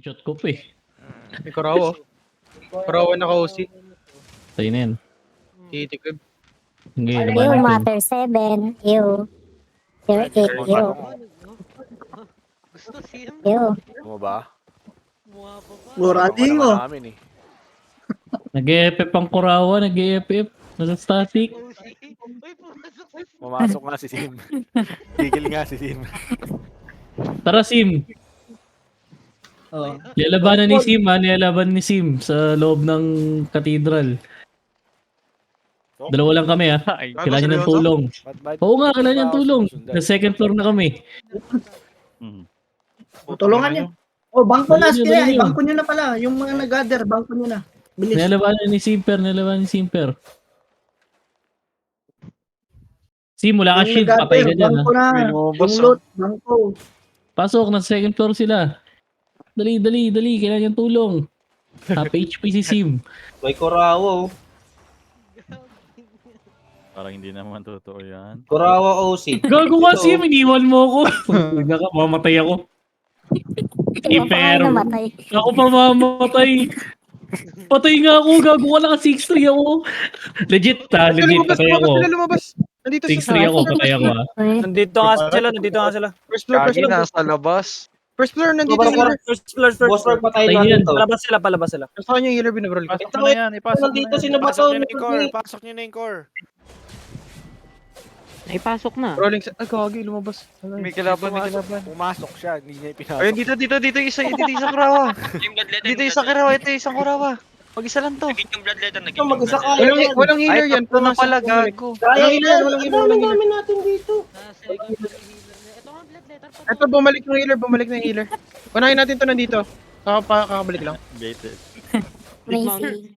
Shot ko pa eh. May Kurawa. Kurawa na ka-OC. Tayo na yan. Titikib. Hindi, Ew, laban natin. Matter 7. Ew. 08. Ew. Gusto sim? Ew. Mo ba? Mukha pa ba? Murading mo. Namin eh. Nag-EFF ang Kurawa, nag-EFF. Nasa static. OC? Uy, pumasok sa Pumasok nga si Sim. Tigil nga si Sim. Tara Sim. Oh. Nilalabanan ni Sim ha, nilalaban ni Sim sa loob ng cathedral. Dalawa lang kami ha. Kailangan niya ng tulong. Oo nga, kailangan niya ng tulong. Na second floor na kami. Tulungan niyo. Oh, bangko na. Dali niyo, Sige, dali niyo. bangko niyo na pala. Yung mga nag-gather, bangko niyo na. Bilis. Nilalabanan ni Simper, nilalabanan ni Simper. Sim, wala ka Yung shield, nag-gather, patay ka dyan ha. bangko na. Yung loot, bangko. Pasok, nasa second floor sila. Dali, dali, dali, kailangan niyang tulong. Half HP si Sim. May Kurawa, oh. Parang hindi naman totoo yan. Kurawa OC. Gago ka Sim, iniwan mo ako. Mamatay ako. Ikaw pa nga Pero- namatay. Ako pa mamatay. Patay nga ako, gago ka naka 6-3 ako. Legit ha, legit, Lumabas, patay ako. lumabas, lumabas. Nandito 6-3 ako, patay ako ha. Uy. Nandito nga sila. First floor, first Kagi floor. nasa labas. First floor, nandito Sobrang yung healer. First floor. Boss Rock patay Patay lang yan. dito. Palabas sila. Saan yung healer binabrol ko? Ipasok mo na yan, ipasok mo Nandito na sino yan. ba to? Pasok nyo na yung core. Pasok nyo na yung core. Naipasok na. Rolling sa... Ay, kagi, lumabas. May kalaban. Pumasok siya. Hindi niya ipinasok. Ayun, dito isang kurawa. Dito isang kurawa, ito isang kurawa. Mag-isa lang to. Ito, mag-isa ka. Walang healer yan. Ito na Pumasok. pala, gago. Kaya Walang healer, walang healer, walang healer. namin natin dito. Second floor healer na. Ito nga blood letter pa. Ito, bumalik na yung healer. Unahin natin to nandito. Kakabalik lang. Baited. Amazing.